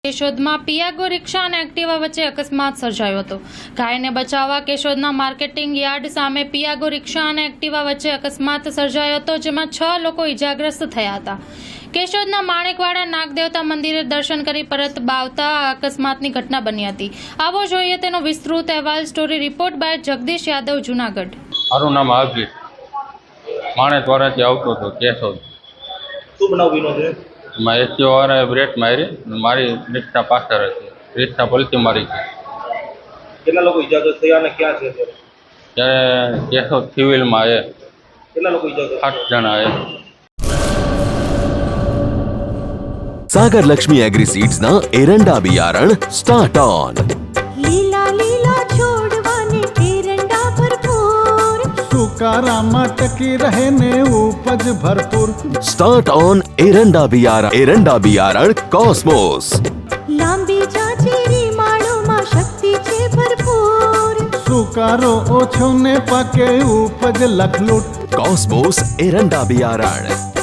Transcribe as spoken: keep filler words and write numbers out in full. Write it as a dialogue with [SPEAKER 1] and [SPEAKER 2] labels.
[SPEAKER 1] કેશોદમાં પિયાગો રિક્ષા અને એક્ટિવા વચ્ચે અકસ્માત સર્જાયો હતો. ઘાયલને બચાવવા કેશોદના માર્કેટિંગ યાર્ડ સામે પિયાગો રિક્ષા અને એક્ટિવા વચ્ચે અકસ્માત સર્જાયો હતો, જેમાં છ લોકો ઇજાગ્રસ્ત થયા હતા. કેશોદના માણેકવાડા નાગદેવતા મંદિરે દર્શન કરી પરત આવતા આ અકસ્માતની ઘટના બની હતી. આવો જોઈએ તેનો વિસ્તૃત અહેવાલ. Story report by Jagdish Yadav, Junagadh.
[SPEAKER 2] મારું નામ હાજી માણેકવાડાથી આવતો હતો કેશોદ.
[SPEAKER 3] શું બનાવ બન્યો છે?
[SPEAKER 2] માં એસી વાળાએ બ્રેક મારી, મારી રિક્ષા પાછળ હતી, રિક્ષા પલટી મારી ગઈ.
[SPEAKER 3] કેટલા લોકો ઇજાગ્રસ્ત થયા અને ક્યાં છે અત્યારે?
[SPEAKER 2] ત્યારે કેશોદ સિવિલમાં એ
[SPEAKER 3] કેટલા લોકો ઇજાગ્રસ્ત?
[SPEAKER 2] આઠ જણા એ.
[SPEAKER 4] सागर लक्ष्मी एग्री सीड्स ना एरंडा बियारण स्टार्ट ऑन.
[SPEAKER 5] લીલા લીલા છોડવાને એરંડા ભરપૂર,
[SPEAKER 6] સુકારામાં ટકી રહે ને ઉપજ ભરપૂર.
[SPEAKER 4] स्टार्ट ऑन एरंडा बियारण. एरंડા बियारण कॉस्मोस.
[SPEAKER 5] લાંબી જાચેરી માળોમાં શક્તિ છે ભરપૂર,
[SPEAKER 6] સુકારો ઓછો ને પાકે ઉપજ લખલૂટ.
[SPEAKER 4] कॉस्मोस एरंડા बियारण.